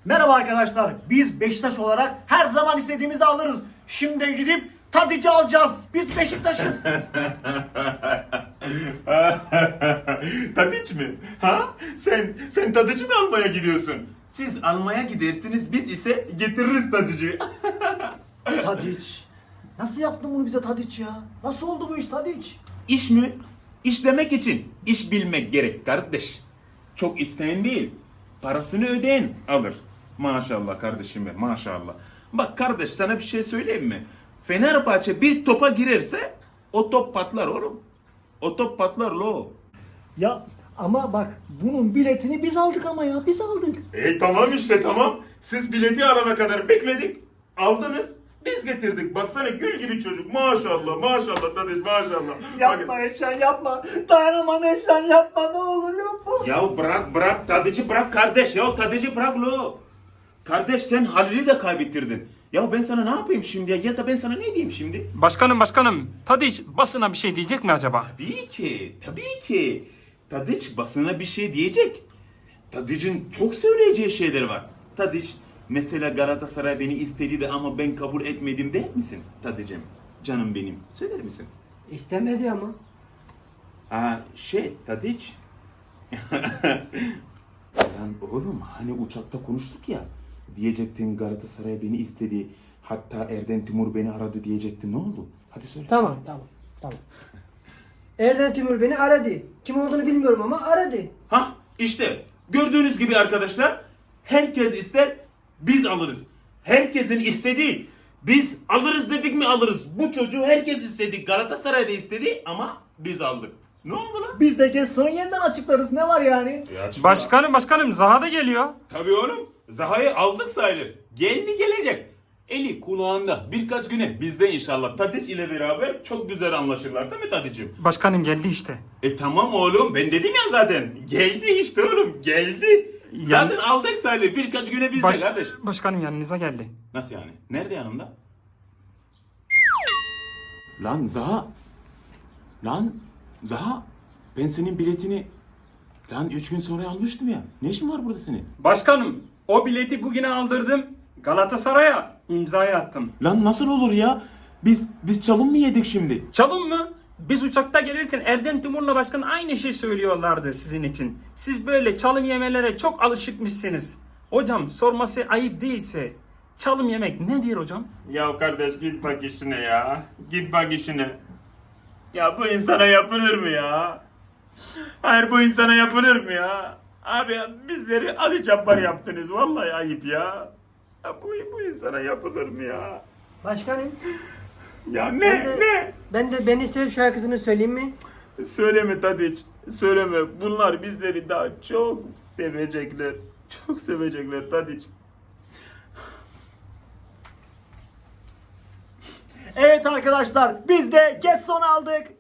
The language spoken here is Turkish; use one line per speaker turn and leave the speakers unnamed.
Merhaba arkadaşlar. Biz Beşiktaş olarak her zaman istediğimizi alırız. Şimdi gidip Tadic'i alacağız. Biz Beşiktaş'ız.
Tadiç mi? Ha? Sen Tadiç'i mi almaya gidiyorsun? Siz almaya gidersiniz, biz ise getiririz Tadiç'i.
Tadic. Nasıl yaptın bunu bize Tadic ya? Nasıl oldu bu iş Tadic?
İş mi? İş demek için iş bilmek gerek kardeş. Çok isteyen değil, parasını ödeyen alır. Maşallah kardeşime, maşallah. Bak kardeş, sana bir şey söyleyeyim mi? Fenerbahçe bir topa girerse o top patlar oğlum. O top patlar lo.
Ya ama bak bunun biletini biz aldık ama ya biz aldık.
Tamam işte tamam. Siz bileti arana kadar bekledik. Aldınız. Biz getirdik. Baksana gül gibi çocuk. Maşallah maşallah Tadiç maşallah.
Yapma Eşen yapma. Dayanamam Eşen yapma ne olur yapma.
Ya bırak Tadiç'i bırak kardeş ya. Tadiç'i bırak lo. Kardeş sen Halil'i de kaybettirdin. Ya ben sana ne yapayım şimdi ya da ben sana ne diyeyim şimdi?
Başkanım, Tadiç basına bir şey diyecek mi acaba?
Tabii ki. Tadiç basına bir şey diyecek. Tadiç'in çok söyleyeceği şeyler var. Tadiç mesela Galatasaray beni istedi de ama ben kabul etmedim der misin Tadiç'im? Canım benim. Söyler misin?
İstemedi ama.
Tadiç. Lan oğlum hani uçakta konuştuk ya. Diyecektin Galatasaray beni istedi. Hatta Erden Timur beni aradı diyecektin. Ne oldu? Hadi söyle.
Tamam. Erden Timur beni aradı. Kim olduğunu bilmiyorum ama aradı.
İşte gördüğünüz gibi arkadaşlar herkes ister biz alırız. Herkesin istediği biz alırız dedik mi alırız. Bu çocuğu herkes istedi. Galatasaray da istedi ama biz aldık. Ne oldu lan?
Biz de sonra yeniden açıklarız ne var yani?
Başkanım Zaha da geliyor.
Tabii oğlum. Zaha'yı aldık sayılır. Geldi gelecek. Eli kulağında birkaç güne bizde inşallah Tadiç ile beraber çok güzel anlaşırlar değil mi Tadiç'im?
Başkanım geldi işte.
Tamam oğlum ben dedim ya zaten. Geldi işte oğlum geldi. Zaten aldık sayılır birkaç güne bizde kardeş.
Başkanım yanınıza geldi.
Nasıl yani? Nerede yanımda? Lan Zaha. Ben senin biletini 3 gün sonra almıştım ya. Ne işin var burada senin?
Başkanım o bileti bugüne aldırdım. Galatasaray'a imzayı attım.
Lan nasıl olur ya? Biz çalım mı yedik şimdi?
Çalın mı? Biz uçakta gelirken Erden Timur'la başkan aynı şey söylüyorlardı sizin için. Siz böyle çalım yemelere çok alışıkmışsınız. Hocam sorması ayıp değilse çalım yemek nedir hocam?
Ya kardeş git bak işine ya. Git bak işine. Ya bu insana yapılır mı ya? Hayır bu insana yapılır mı ya? Abi bizleri Ali Cabbar yaptınız. Vallahi ayıp ya. Ya bu insana yapılır mı ya?
Başkanım.
Ya
Ben de Beni Sev şarkısını söyleyeyim mi?
Söyleme Tadiç. Söyleme. Bunlar bizleri daha çok sevecekler. Çok sevecekler Tadiç.
Evet arkadaşlar biz de Getson'u aldık.